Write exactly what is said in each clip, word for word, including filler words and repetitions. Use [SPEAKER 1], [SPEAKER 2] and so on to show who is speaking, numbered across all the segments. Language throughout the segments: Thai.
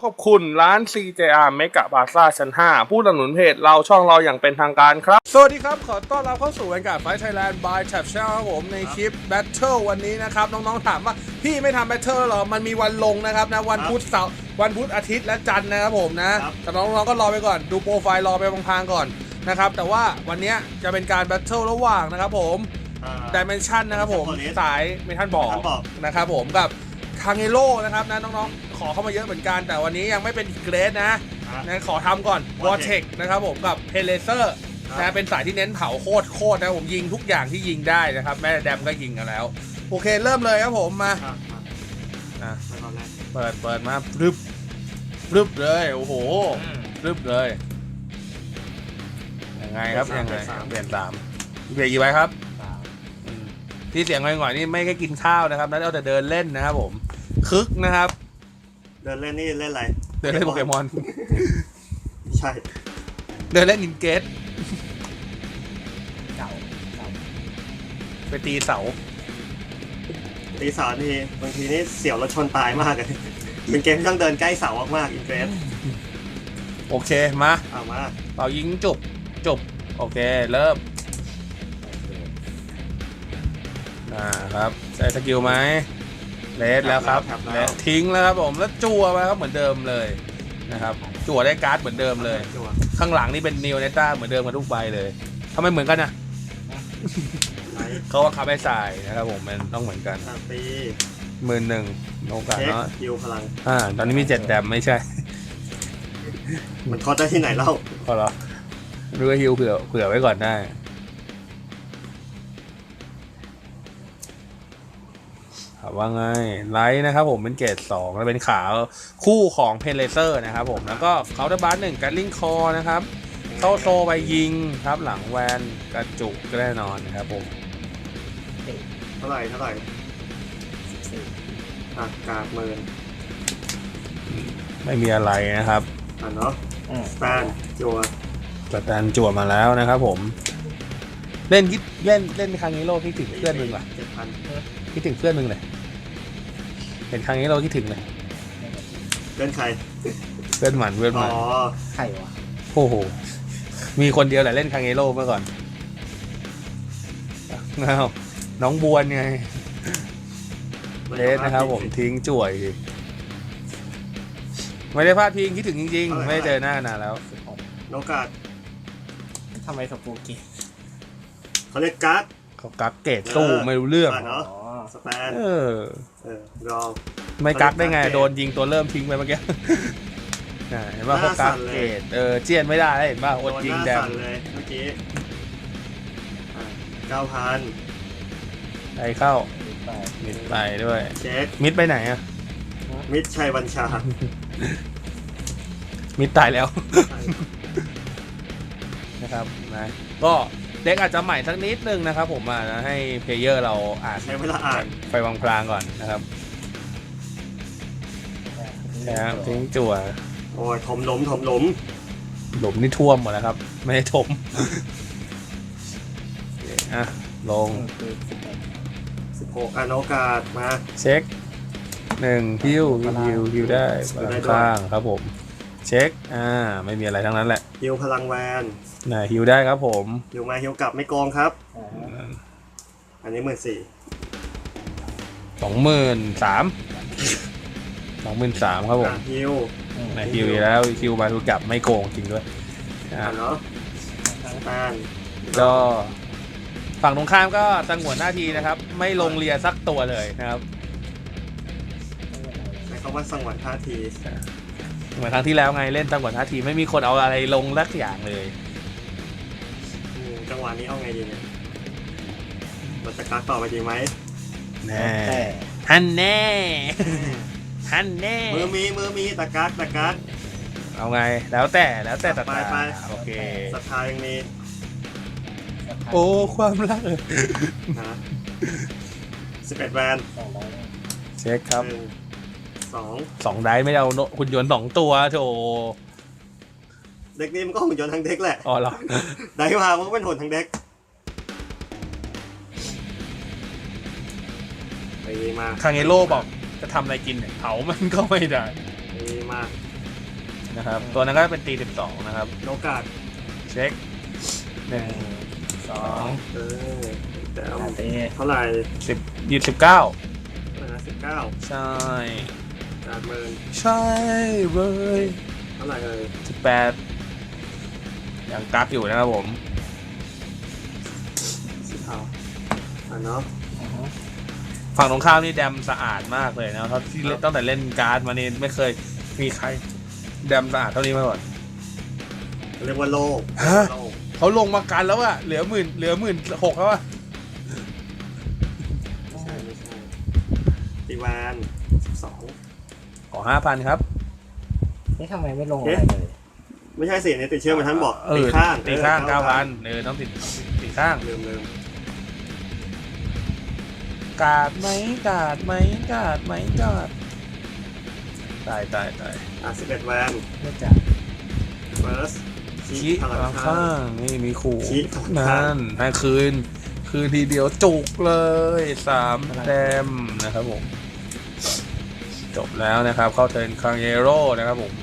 [SPEAKER 1] ขอบคุณร้าน ซี เจ อาร์ Mega Plaza ชั้น ห้า ผู้สนับสนุนเพจเราช่องเราอย่างเป็นทางการครับสวัสดีครับขอต้อนรับเข้าสู่รายการ Fight Thailand by Tab Channel ครับผมในคลิป Battle วันนี้นะครับน้องๆถามว่าพี่ไม่ทำ Battle หรอมันมีวันลงนะครับนะวันพุธเสาร์วันพุธอาทิตย์และจันทร์นะครับผมนะแต่น้องๆก็รอไปก่อนดูโปรไฟล์รอไปพลางๆก่อนนะครับแต่ว่าวันนี้จะเป็นการ Battle ระหว่างนะครับผม Dimension นะครับผมสายเมทัลบอกนะครับผมกับคางเอโร่นะครับนะน้องๆขอเข้ามาเยอะเหมือนกันแต่วันนี้ยังไม่เป็นเกรดนะนะขอทำก่อน Vortex นะครับผมกับเพเลเซอร์นะเป็นสายที่เน้นเผาโคตรโคตรนะผมยิงทุกอย่างที่ยิงได้นะครับแม่แดมก็ยิงกันแล้วโอเคเริ่มเลยครับผมมาเปิดเปิดมารึบรึบเลยโอ้โหรึบเลยยังไงครับยังไงเปลี่ยนสามเปลี่ยนกี่ใบครับที่เสียงง่อยๆนี่ไม่แค่กินข้าวนะครับนั่นเอาแต่เดินเล่นนะครับผมคึกนะครับ
[SPEAKER 2] เดินเล่นนี่เล่นอะไร
[SPEAKER 1] เดินเล่นโปเกมอน
[SPEAKER 2] ใช่
[SPEAKER 1] เดินเล่นอินเกตเสาไปตีเสา
[SPEAKER 2] ตีเสานี่บางทีนี่เสี่ยวรถชนตายมากเลยเป็นเกมที่ต้องเดินใกล้เสามากๆอินเกต
[SPEAKER 1] โอเคมา
[SPEAKER 2] เอามา
[SPEAKER 1] เป่ายิงจุบจุบโอเคเริ่มอ่าครับใช้สกิลไหมเลสแล้วครับเลสทิ้งแล้วครับผมแล้วจั่วมาครับเหมือนเดิมเลยนะครับจั่วได้การ์ดเหมือนเดิมเลยข้างหลังนี่เป็นนิวเนต้าเหมือนเดิมกันทุกใบเลยทำไมเหมือนกันนะเขาว่าคาไปใส่นะครับผมมันต้องเหมือนกัน
[SPEAKER 2] ตี
[SPEAKER 1] หมื่นหนึ่งโอกาสเนาะ
[SPEAKER 2] ฮิวพลัง
[SPEAKER 1] อ่าตอนนี้มีเจ็ดแดมไม่ใช่
[SPEAKER 2] มันคอได้ที่ไหนเล่า
[SPEAKER 1] พอเหรอรู้ว่าฮิวเผื่อเผื่อไว้ก่อนได้ว่าไงไลท์นะครับผมเป็นเกรดสองแล้วเป็นขาคู่ของเพนเลเซอร์นะครับผมแล้วก็เคาน์เตอร์บาร์หนึ่งการลิงคอนะครับเข้าโซไปยิงครับหลังแวนกระจุกแน่นอนนะครับผม
[SPEAKER 2] เท่าไหร่เท่าไหร่อากาศเมิน
[SPEAKER 1] ไม่มีอะไรนะครับ
[SPEAKER 2] อ่ะเนาะสแตนจั่ว
[SPEAKER 1] สแตนจั่วมาแล้วนะครับผมเล่นคิดเล่นเล่นครั้งนี้โลคิดถึงเพื่อนมึงว่ะคิดถึงเพื่อนมึงเลยเห็นครั้งนี้เราคิดถึงเลย
[SPEAKER 2] เพื่อนใคร
[SPEAKER 1] เพื่อนหมันเพื่อนหมัน
[SPEAKER 2] อ๋อใครวะ
[SPEAKER 1] โอ้โหมีคนเดียวแหละเล่นคางเอโร่เมื่อก่อนน้าวน้องบวนไงเลสนะครับผมทิ้งจ่วยไม่ได้พลาดพิงคิดถึงจริงๆไม่ได้เจอหน้านานแล้ว
[SPEAKER 2] โนกาด
[SPEAKER 3] ทำไมสปูกี้
[SPEAKER 2] เขาเรียกการ์ด
[SPEAKER 1] เขากักเกตสู้ไม่รู้เรื่อง
[SPEAKER 2] เนาะสแตน
[SPEAKER 1] เออ
[SPEAKER 2] เออรอ
[SPEAKER 1] ไม่กักได้ไงโดนยิงตัวเริ่มทิ้งไปเมื่อกี้เห็นว่าเขากักเกตเออเจียนไม่ได้เห็นป่ะอดยิงแดง
[SPEAKER 2] เลยเมื่อกี้เก้าพัน
[SPEAKER 1] ไปเข้ามิดไปด้วย
[SPEAKER 2] เช็ค
[SPEAKER 1] มิดไปไหนอะ
[SPEAKER 2] มิดชัยบัญชา
[SPEAKER 1] มิดตายแล้วนะครับนะก็เด็กอาจจะใหม่สักนิดนึงนะครับผมอ่ะนะให้เพลเยอร์เราอ่าน
[SPEAKER 2] ใช้เวลาอ่าน
[SPEAKER 1] ไปวางพลางก่อนนะครับนะครับทิ้งจั่ว
[SPEAKER 2] โอ้ยถมหลุมถมหลุม
[SPEAKER 1] หลุมนี่ท่วมหมดแล้วครับไม่ได้ถมอ่ะลง
[SPEAKER 2] สิบหกอนุกาศมา
[SPEAKER 1] เช็คหนึ่งฮิวฮิวฮิวได้ข้างครับผมเช็คอ่าไม่มีอะไรทั้งนั้นแหละ
[SPEAKER 2] ฮิวพลังแวน
[SPEAKER 1] น่ะฮิวได้ครับผม
[SPEAKER 2] ฮิวมาฮิวกลับไม่โกงครับอันนี้หมื่นสี่
[SPEAKER 1] สองหมื่นสามสองหมื่นสามครับผม
[SPEAKER 2] ฮิว
[SPEAKER 1] น่ะฮิวแล้วฮิวมาฮิวกลับไม่โกงจริงด้วย
[SPEAKER 2] อ่าเนาะ
[SPEAKER 1] ก็ฝั่งตรงข้ามก็ตั้งหัวหน้าทีนะครับไม่ลงเรียสักตัวเลยนะครับ
[SPEAKER 2] ใช้คำว่าสังหวนท่าที
[SPEAKER 1] เหมือนครั้งที่แล้วไงเล่นตั้งหัวหน้าทีไม่มีคนเอาอะไรลงสักอย่างเลย
[SPEAKER 2] จังหวะนี้เอาไงดีเนี่ยเราจะกักต่อไปดีไหม
[SPEAKER 1] แน่ฮันแน่ฮันแน่
[SPEAKER 2] มือมีมือมีตะกักตะกัก
[SPEAKER 1] เอาไงแล้วแต่แล้วแต่ตะ
[SPEAKER 2] กัก
[SPEAKER 1] โอเค
[SPEAKER 2] ศรัทธายังมี
[SPEAKER 1] โอ้ความรัก
[SPEAKER 2] นะสิบเอ็ดแวน
[SPEAKER 1] เช็คครับ
[SPEAKER 2] สอง
[SPEAKER 1] สองได้ไม่เอาหุ่นยนต์สองตัวโถ
[SPEAKER 2] เด็กนี้มันก็หุ่นยนต์ทั้งเด็กแหละ
[SPEAKER 1] อ๋อเหรอ
[SPEAKER 2] ได้มามันก็เป็นหุ่นทั้งเด็กไปมา
[SPEAKER 1] คางเอโร่บอกจะทำอะไรกินเนี่ยเผามันก็ไม่ได้
[SPEAKER 2] ไปมา
[SPEAKER 1] นะครับตัวนั้นก็เป็นตีสิบสองนะครับ
[SPEAKER 2] โอกาส
[SPEAKER 1] เช็คหนึ่ง
[SPEAKER 3] สอง
[SPEAKER 2] เออแต่
[SPEAKER 3] อาตี
[SPEAKER 2] เท่าไหร่
[SPEAKER 1] สิบยี่สิบเก้า
[SPEAKER 2] เท่าไหร่นะสิบเก้า
[SPEAKER 1] ใช่
[SPEAKER 2] การเมิน
[SPEAKER 1] ใช่เลย
[SPEAKER 2] เท่าไหร่เอ่ย
[SPEAKER 1] สิบแปดยังกักอยู่นะครับผม
[SPEAKER 2] สิบเท่าอ่ะเนาะ
[SPEAKER 1] ฝั่งตรงข้ามนี่แดมสะอาดมากเลยนะเพราะที่เล่นตั้งแต่เล่นการ์ดมานี่ไม่เคยมีใครแดมสะอาดเท่านี้มาก่อน
[SPEAKER 2] เรียกว่าโลก
[SPEAKER 1] ฮะ
[SPEAKER 2] โลก
[SPEAKER 1] เขาลงมากันแล้วอะเหลือหมื่นเหลือหมื่นหกแล้วอะ
[SPEAKER 2] ไม่ใช่ไม่ใช่ตีวานสิบสอง
[SPEAKER 1] ขอห้าพันครับ
[SPEAKER 3] นี่ทำไมไม่ลงอะไรเลย
[SPEAKER 2] ไม่ใช่สิเนี่ยติดเชื้อมาท่านบอก
[SPEAKER 1] เอ
[SPEAKER 2] ตี
[SPEAKER 1] อ
[SPEAKER 2] ข้าง
[SPEAKER 1] ตีข้าง
[SPEAKER 2] ออ
[SPEAKER 1] เก้าพันเออต้องติดติดข้าง
[SPEAKER 2] ลืมลืม
[SPEAKER 1] กาดไหมกาดไหมกาดไหมกาดตายตายตาย
[SPEAKER 2] อ่ะสิบเอ็ดแวน
[SPEAKER 3] ไม่จับ
[SPEAKER 2] เฟิร์ส
[SPEAKER 1] ชี้
[SPEAKER 2] พลัง
[SPEAKER 1] ข้าง
[SPEAKER 2] ข้า
[SPEAKER 1] ข้าง งนี่มีขู่
[SPEAKER 2] ชี้ข้าง
[SPEAKER 1] นั่นให้คืน คืนทีเดียวจุกเลยสามแต้มนะครับผม จบแล้วนะครับ เข้าเทิร์นคังเยโร่นะครับผม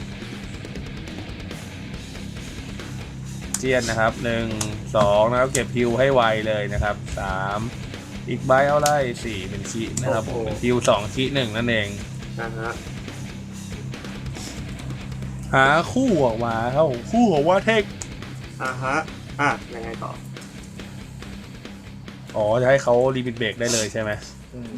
[SPEAKER 1] เจียนนะครับหนึ่งสองนะครับเก็บฮิวให้ไวเลยนะครับสามอีกใบเอาไล่สี่เป็นชีนะครับผมเป็นฮิวสองชีหนึ่งนั่นเอง
[SPEAKER 2] นะฮะ
[SPEAKER 1] หาคู่ออกมาครับผมคู่ของว่าเทค
[SPEAKER 2] อ่ะฮะอ่ะยังไงต่อ
[SPEAKER 1] อ๋อจะให้เขารีบิทเบรกได้เลยใช่ไหม
[SPEAKER 3] อืม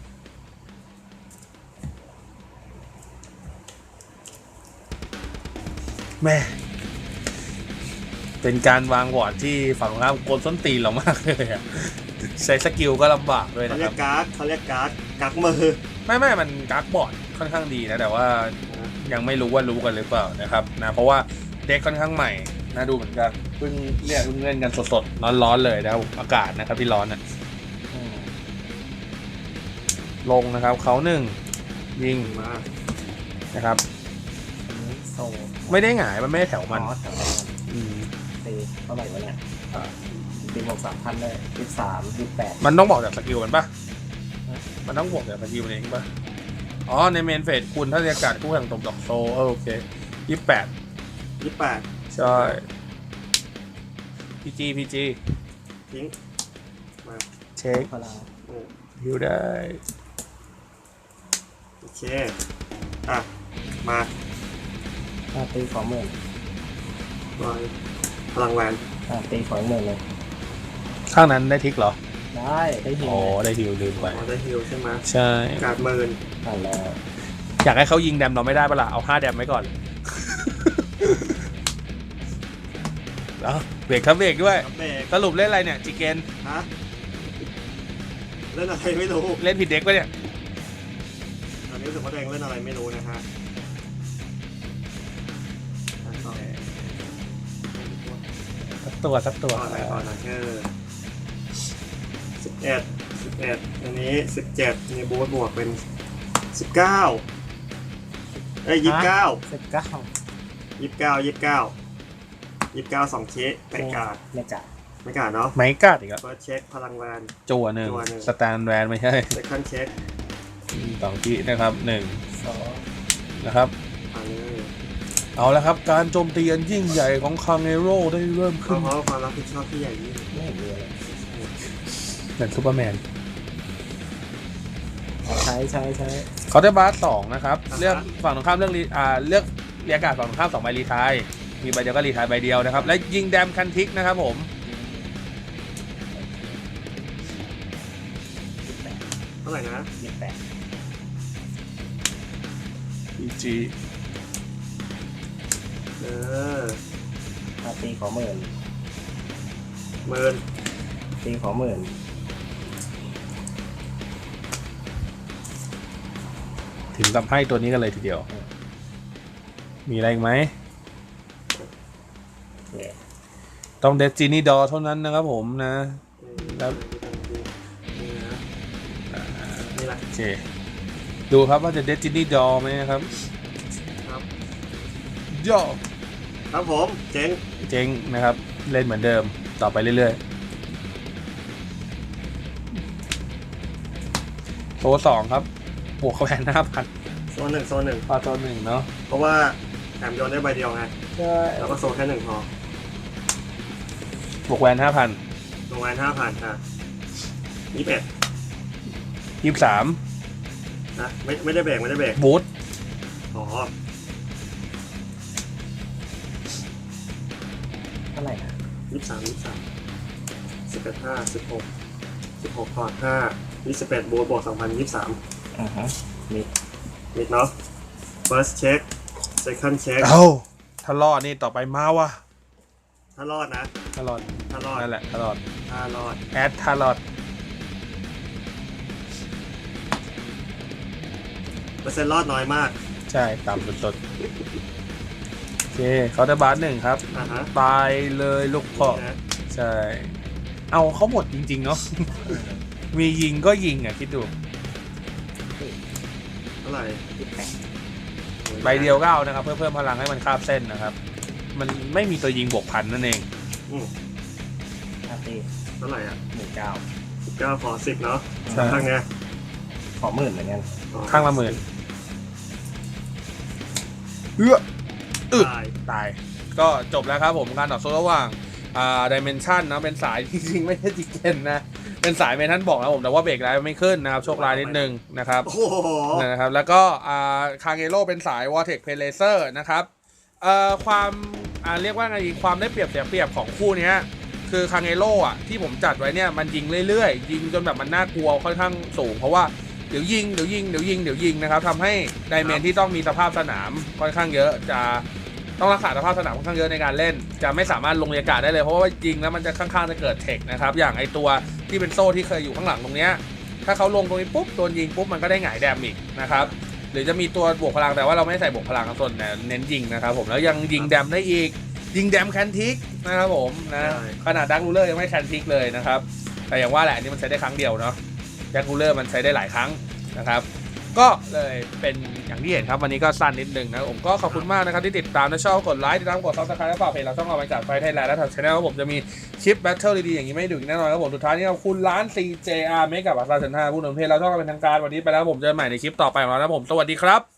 [SPEAKER 1] แม่เป็นการวางวอร์ดที่ฝั่งตรงข้ามกลส้นตีนเรามากเลยอะใช้สกิลก็ลำบากด้วย
[SPEAKER 2] เขา
[SPEAKER 1] นะค
[SPEAKER 2] เรี
[SPEAKER 1] รั
[SPEAKER 2] ย
[SPEAKER 1] บ
[SPEAKER 2] กการ์ดเขาเรียกการ์ดกักมือ
[SPEAKER 1] ไม่ไม่มันกักบอร์ดค่อนข้างดีนะแต่ว่ายังไม่รู้ว่ารู้กันหรือเปล่านะครับนะเพราะว่าเด็กค่อนข้างใหม่นะดูเหมือนกันเพิ่งเรียกเพิ่งเล่นกันสดๆร้อนๆเลยนะครับอากาศนะครับที่ร้อนนะ
[SPEAKER 3] อืม
[SPEAKER 1] ลงนะครับเขาหนึ่งยิง
[SPEAKER 2] มา
[SPEAKER 1] นะครับ
[SPEAKER 3] อันนี้โซ่
[SPEAKER 1] ไม่ได้หงายมันไม่ได้แถว
[SPEAKER 3] มั
[SPEAKER 1] มัน น
[SPEAKER 3] แถวมัน
[SPEAKER 1] อืม
[SPEAKER 3] ตีเท่าไหร่วะเนี่ยอ่าตีบวกสามพันเลยยี่สิบสามยี่สิบแปด
[SPEAKER 1] มันต้องบอกจากสกิลมันปะ
[SPEAKER 3] ฮะ
[SPEAKER 1] มันต้องบอกจากสกิลมันเองปะอ๋อในเมนเฟสคุณถ้าเรียกการคู่แข่งตกดอกโซเออโอเคยี่สิบแปด
[SPEAKER 2] ยี่สิบแปด
[SPEAKER 1] ใช่พีจีพีจี
[SPEAKER 2] ทิ้งมา
[SPEAKER 1] เช็ค
[SPEAKER 3] พลัง
[SPEAKER 2] โอ้
[SPEAKER 1] ฮิวได้
[SPEAKER 2] โอเคอ่ะมา
[SPEAKER 3] อ่าตีสองหมื่น
[SPEAKER 2] ลอยพลังแวน
[SPEAKER 3] อ่าตีสองหมื่นเลย
[SPEAKER 1] ข้างนั้นได้ทิกเหรอ
[SPEAKER 3] ได้ได้หิว
[SPEAKER 1] อ๋อได้ฮิวลืมไป
[SPEAKER 2] อ๋อได้ฮิลใช่ไหม
[SPEAKER 1] ใช่
[SPEAKER 2] การ์ดเมิน
[SPEAKER 3] อ่านแล้ว
[SPEAKER 1] อยากให้เขายิงแดมเราไม่ได้ปะล่ะเอาห้าแดมไว้ก่อน แล้วเบรกครับเบรกด้วย
[SPEAKER 2] เบรก
[SPEAKER 1] สรุปเล่นอะไรเนี่ยจิเกน
[SPEAKER 2] ฮะเล่นอะไรไม่รู้
[SPEAKER 1] เล่นผิดเด็กปะเนี่ย
[SPEAKER 2] ตอนนี้รู้สึกว่าตัวเองเล่นอะไรไม่รู้นะฮะอ่ะต่อ
[SPEAKER 1] สักตัวสักตัว
[SPEAKER 2] ต่ออะไรต่อนะเออสิบเอ็ดสิบเอ็ดอันนี้สิบเจ็ดมีบูทบวกเป็นสิบเก้าเอ้ยยี่สิบเก้า
[SPEAKER 3] สิบเก้า
[SPEAKER 2] ยี่สิบเก้ายี่สิบเก้ายี่สิบเก้าสองเช็คแต่การ์ด
[SPEAKER 3] ไม่จ่าย
[SPEAKER 2] ไม่การ์ดเนาะ
[SPEAKER 1] ไม้กัดอีกแล้ว
[SPEAKER 2] เฟิร์สเช็คพลังแวน
[SPEAKER 1] จั่วหนึ่ง
[SPEAKER 2] จั่วหนึ่ง
[SPEAKER 1] สแตนแวนไม่ใช่
[SPEAKER 2] เซคันด์เช็ค
[SPEAKER 1] สองทีนะครับหนึ่ง
[SPEAKER 3] สอง
[SPEAKER 1] นะครับ
[SPEAKER 2] อันนี้
[SPEAKER 1] เอาละครับการโจมตีอันยิ่งใหญ่ของคังเอโร่ได้เริ่ม
[SPEAKER 2] เพ
[SPEAKER 1] ขึ้น
[SPEAKER 2] ราะความรับผิดชอบที่ใหญ่ยิ่ง
[SPEAKER 3] ไม่เห็นมีอะไร
[SPEAKER 1] เหมือนซูเปอร์แมน
[SPEAKER 3] ใช้ใช้ใช้
[SPEAKER 1] เขาได้บาสสองนะครับเลือกฝั่งตรงข้ามเรื่องรีอ่าเลือกเรียกการ์ดฝั่งตรงข้ามสองใบรีไทายมีใบเดียวก็รีไทายใบเดียวนะครับและยิงแดมคันทิกนะครับผม
[SPEAKER 3] ยี่สิบแปด
[SPEAKER 2] เท่าไหร่นะ
[SPEAKER 3] ยี่สิบแปด
[SPEAKER 1] พีจี
[SPEAKER 2] เออ
[SPEAKER 3] อ่าตีขอหมื่น
[SPEAKER 2] หมื่น
[SPEAKER 3] ตีขอหมื่น
[SPEAKER 1] ถึงกับให้ตัวนี้กันเลยทีเดียว มีอะไรอีกไหม
[SPEAKER 3] โอเค
[SPEAKER 1] ต้องเดจินี่ดอเท่านั้นนะครับผมนะ แล้ว
[SPEAKER 2] นี่นะนี่แหละ
[SPEAKER 1] โอเคดูครับว่าจะเดจินี่ดอไหมนะครับ
[SPEAKER 2] ครับ
[SPEAKER 1] ย่อ
[SPEAKER 2] ครับผมเจ๋ง
[SPEAKER 1] เจ๊งนะครับ เล่นเหมือนเดิมต่อไปเรื่อยๆโซสองครับบวกเข้าแผนห้าพัน
[SPEAKER 2] โซนหนึ่งโซนหนึ่ง
[SPEAKER 1] พอตัวหนึ่งเนาะ
[SPEAKER 2] เพราะว่าแถมโยนได้ใบเดียวไง
[SPEAKER 1] ใช่
[SPEAKER 2] แล้วก็โซแค่หนึ่งพอบ
[SPEAKER 1] วกแวนห้าพัน
[SPEAKER 2] ลงแวนห้าพันอ่ะยี่สิบเอ็ด
[SPEAKER 1] ยี่สิบสาม
[SPEAKER 2] นะไม่ไม่ได้เบรกไม่ได้เบรก
[SPEAKER 1] บูท
[SPEAKER 2] อ๋อ
[SPEAKER 3] เท่าไหร่นะ
[SPEAKER 2] ยี่สิบสามยี่สิบสามสิบเอ็ดห้าสิบหกสิบหกพอร์ตห้ายี่สิบเอ็ดบวกบวกสองพันยี่สิบสาม
[SPEAKER 3] อือฮะมี
[SPEAKER 2] มิดเนาะ first check second check
[SPEAKER 1] เอ้าถ้ารอดนี่ต่อไปมาว่ะ
[SPEAKER 2] ถ้ารอดนะ
[SPEAKER 1] ถ้ารอด
[SPEAKER 2] ถ้ารอด
[SPEAKER 1] นั่นแหละถ้ารอด
[SPEAKER 2] ถ้ารอด
[SPEAKER 1] แอดถ้ารอด
[SPEAKER 2] เปอร์เซ็นต์รอดน้อยมาก
[SPEAKER 1] ใช่ต่ำสุดๆโอเคเขาได้บาสหนึ่งครับ
[SPEAKER 2] อ่ะฮะ
[SPEAKER 1] ตายเลยลูกพ่อ
[SPEAKER 2] นะ
[SPEAKER 1] ใช่ เอาเขาหมดจริงๆเนาะ มียิงก็ยิงอ่ะคิดดู
[SPEAKER 2] เท่าไหร่
[SPEAKER 3] ติดแข่ง
[SPEAKER 1] ใบเดียวก็เอานะครับ เพื่อเพิ่มพลังให้มันคาบเส้นนะครับ มันไม่มีตัวยิงบวกพันนั่นเอง
[SPEAKER 2] อืม
[SPEAKER 3] อาร์ตี
[SPEAKER 2] เท่าไหร่อ่ะ
[SPEAKER 3] หนึ่งเก้า
[SPEAKER 2] สิบเก้าขอสิบเนาะ
[SPEAKER 1] ใช่
[SPEAKER 2] ข้างเนี้ย
[SPEAKER 3] ขอหมื่นเหมือนกัน
[SPEAKER 2] อ๋อ
[SPEAKER 1] ข้างละหมื่นเอื้อ อึด
[SPEAKER 2] ตาย
[SPEAKER 1] ตาย ก็จบแล้วครับผมการต่อสู้ระหว่างอ่าดิเมนชันนะเป็นสายจริงๆไม่ใช่จิเกนนะ เป็นสายเมทันบอกนะผมแต่ว่าเบรกไลท์ไม่ขึ้นนะครับ โชคร้ายนิดนึงนะครับ
[SPEAKER 2] โอ้โห
[SPEAKER 1] นะครับแล้วก็อ่าคางเอโร่เป็นสาย Vortex p e l a s e r นะครับเอ่อความอ่าเรียกว่าไงดีความได้เปรียบเสียเปรียบของคู่เนี้ยคือคางเอโร่อ่ะที่ผมจัดไว้เนี่ยมันยิงเรื่อยๆ ยิงจนแบบมันน่ากลัวค่อนข้างสูง เพราะว่าเดี๋ยวยิงเดี๋ยวยิงเดี๋ยวยิงเดี๋ยวยิงนะครับทำให้ไดเมนที่ต้องมีสภาพสนามค่อนข้างเยอะจะต้องรักษาสภาพสนามค่อนข้างเยอะในการเล่น จะไม่สามารถลงอากาศได้เลยเพราะว่ายิงแล้วมันจะข้างๆจะเกิดเทคนะครับอย่างไอตัวที่เป็นโซ่ที่เคยอยู่ข้างหลังตรงเนี้ยถ้าเขาลงตรงนี้ปุ๊บโดนยิงปุ๊บมันก็ได้หงายแดมอีกนะครับหรือจะมีตัวบวกพลังแต่ว่าเราไม่ใส่บวกพลังส่วนเน้นยิงนะครับผมแล้วยังยิงแดมได้อีกยิงแดมแคนทิกนะครับผมนะขนาดดักรูเลอร์ยังไม่แคนทิกเลยนะครับแต่อย่างว่าแหละอันนี้มันใช้ได้ครั้งเดียวเนาะดักรูเลอร์มันใช้ได้หลายครั้งนะครับก็เลยเป็นอย่างที่เห็นครับวันนี้ก็สั้นนิดนึงนะผมก็ขอบคุณมากนะครับที่ติดตามและชอบกดไลค์ติดตามกดซับสไครต์และฝากเพจเราช่องเราไปจากไฟไทยแลนด์และทางช่องผมจะมีคลิปแบทเทิลดีๆอย่างนี้ไม่ดึกแน่นอนครับผมสุดท้ายนี้ขอบคุณร้าน ซี เจ อาร์ เมกะบัตรลาชันห้าผู้นำเพจเราช่องเราเป็นทางการวันนี้ไปแล้วผมเจอกันใหม่ในคลิปต่อไปของเรานะผมสวัสดีครับ